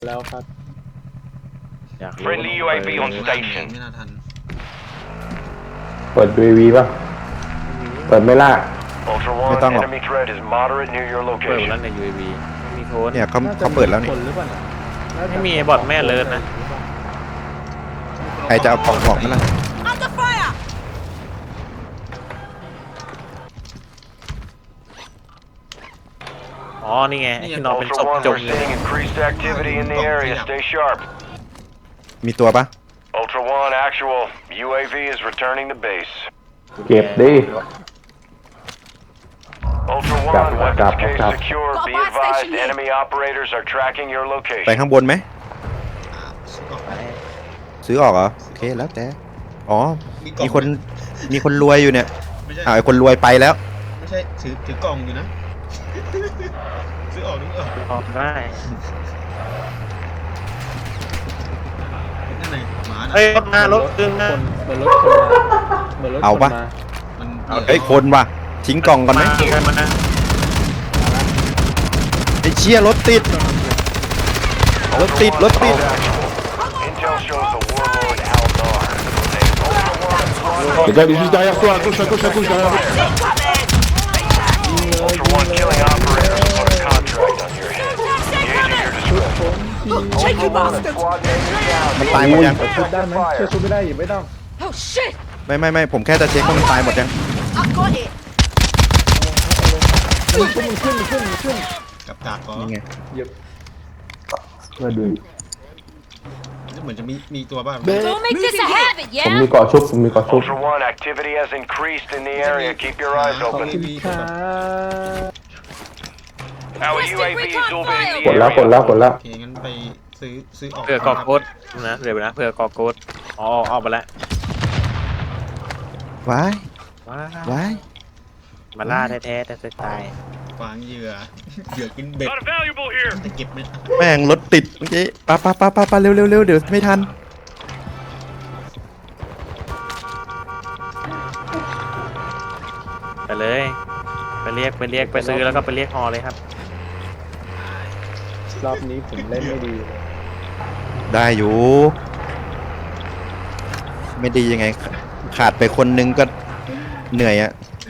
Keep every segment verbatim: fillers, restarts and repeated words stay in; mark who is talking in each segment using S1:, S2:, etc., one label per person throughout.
S1: แล้วครับ
S2: อยากรู้
S3: Friendly ยู เอ วี on station
S4: ไม่น่าทัน
S5: เปิด ยู เอ วี ป่ะ เปิดไม่ล่า
S3: Ultra
S6: ไม่
S3: One
S6: ต้องหรอก
S3: enemy threat is moderate near your
S2: เปิด
S3: location
S2: แล้วใน ยู เอ วี ไม่มีโค้ด
S6: เนี่ยเขา
S1: น่จะ
S6: เขาเปิดแล้วนี่
S1: คนหรือเปล่าเนี่ยน่าจะ
S2: ไม่มีบอทแม่เลิศนะ
S6: ใครจะเอากล่องออกไหมล่ะ
S7: Under fire!
S2: อ๋อ นี่ไงไอ้ที่นอนเป็นศ
S3: Ultra
S2: พ
S3: One
S2: จม
S3: we're
S2: อยู่
S3: seeing increased activity in the area stay sharp
S6: มีตัวปะ
S3: Ultra One actualยู เอ วี is returning to base
S5: เก็บดิ
S3: Ultra
S5: Got
S3: One
S5: it,
S3: weapons
S5: got it,
S3: case
S5: got it.
S3: secure
S7: Got
S3: be
S7: a buy
S3: advised
S7: station here.
S3: enemy operators are tracking your
S6: ไป
S3: location
S6: ข้างบนไหม
S4: อ่าซื้อออกไป
S6: ซื้อออกเหรอ โอเคแล้วแต่ อ๋อ
S4: มีกล่อง
S6: มีคน มีคนรวยอยู่เนี่ย
S4: ไม่ใช่
S6: อ่าไอ้คนรวยไปแล้ว
S4: ไม่ใช่ถือถือกล่องอยู่นะ ซื้อออกนึกออก
S2: ออกได้
S4: นั่นไงหมาน่ะ
S2: เฮ้ยรถมารถตึงนะ
S1: คนเหมือนรถคนมาเหมือนรถ
S6: เอาปะ
S1: คนมา
S4: มัน
S6: เฮ้ย คนว่ะ ทิ้งกล่องก่อนไหม
S2: มากันมา
S6: ไอ้เชี่ยรถติด รถติด รถติด
S3: Intel shows the warlord Aldar Ultra One
S5: Regarde juste derrière toi, à gauche, à gauche, à gauche, derrière.
S3: Ultra One killing operators put a contract on your head engaging your discretion
S7: Cheeky bastard!
S3: Squad mate is down
S6: มันตายหมดยัง
S1: ชุดได้ไหมเชื่อชุดไม่ได้อีกไม่ต้อง
S7: Oh shit!
S6: ไม่ไม่ไม่ผมแค่จะเช็คว่ามันตายหมดยัง
S7: I got it!
S1: มันขึ้นมันขึ้นมันขึ้นมันขึ้น
S4: กับกากก็
S6: นี่ไง
S1: เหยียบ
S5: มาดู
S4: เหมือนจะมีมีตัวบ้าง
S7: Don't make this a habit,
S5: ผม
S7: yeah?
S5: มีเกาะชุบ ผมมีเกาะชุบ
S3: Ultra One activity has increased in the area keep your eyes
S1: ขอบ
S3: open
S1: คุณค่ะ
S3: Our ยู เอ วี is orbiting
S5: กด
S3: the
S5: แล้ว กด
S3: area
S5: แล้วกดแล้ว
S4: โอเคงั้นไปซื้อซื้อออก
S2: เผื่อกอโค้ดนะเดี๋ยวนะเผื่อกอโค้ดอ๋อออกไปแล้ว
S6: ว้าย
S2: ว้า
S6: ว้าย
S2: มาล่าแท้ๆแต่จะตาย
S4: ฟางเหยื่อ เหยื่อกินเบ็ด
S3: Got a valuable here
S4: จะเก็บไหม
S6: แม่งรถติดเมื่อกี้ปะปะปะปะปะเร็วเร็วเร็วเดี๋ยวไม่ทัน
S2: ไปเลย ไปเรียกไปเรียกไปซื้อแล้วก็ไปเรียกฮอเลยครับ
S1: รอบนี้ผมเล่นไม่ดีเลย
S6: ได้อยู่ ไม่ดียังไง ขาดไปคนนึงก็เหนื่อยอะ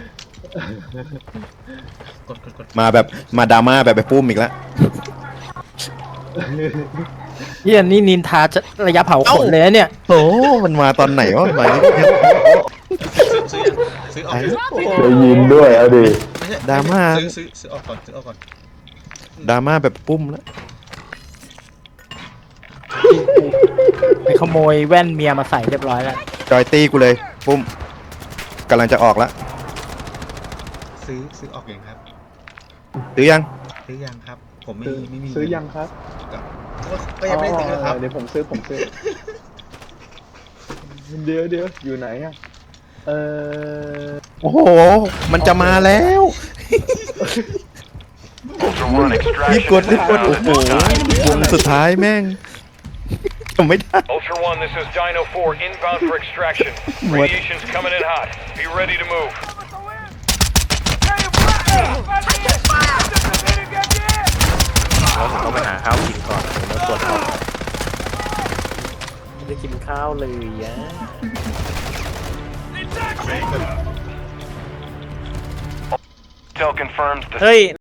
S4: กดกดกด
S6: มาแบบมาดราม่าแบบไปปุ้มอีกแล้ว
S8: เฮียนี่นินทาจะระยะเผาขนเลยนะเนี่ย
S6: โอ้มันมาตอนไหนวะมาเนี่ย
S4: ซื้อยังซื้อออก
S5: ได้ยินด้วยเอาดิ
S4: ไม่ใช่
S6: ดราม่า
S4: ซื้อซื้อซื้อออกก่อนซื้อออกก่อน
S6: ดราม่าแบบปุ้มแล้ว
S8: ไปขโมยแว่นเมียมาใส่เรียบร้อยแล้ว
S6: จอยตี้กูเลย ปุ้มกำลังจะออกแล้ว
S4: ซื้อซื้อออกยังครับ
S6: ซื้อยัง
S4: ซื้อยังครับ ผมไม่
S1: ซื้อ
S4: ไม่มี
S1: ซื้อยังครับ
S4: ก็ยังไม่ได้ซื้อครับ
S1: เดี๋ยวผมซื้อผมซื้อ เดี๋ยวเดี๋ยวอยู่ไหนอ่ะ เออ
S6: โอ้โห มันจะมาแล้ว
S3: Ultra One
S6: รีบ
S3: extraction
S6: กดรีบกด โอ้โหวงสุดท้ายแม่งทำไม่ได้
S3: Ultra One this is Dino four inbound for extraction radiation's coming in hot be ready to move
S2: แล้วผมต้องไปหาข้าวกินก่อนแล้วตรวจสอบไม่ได้กินข้าวเลยยะ
S3: Intel confirms the
S2: เฮ้ย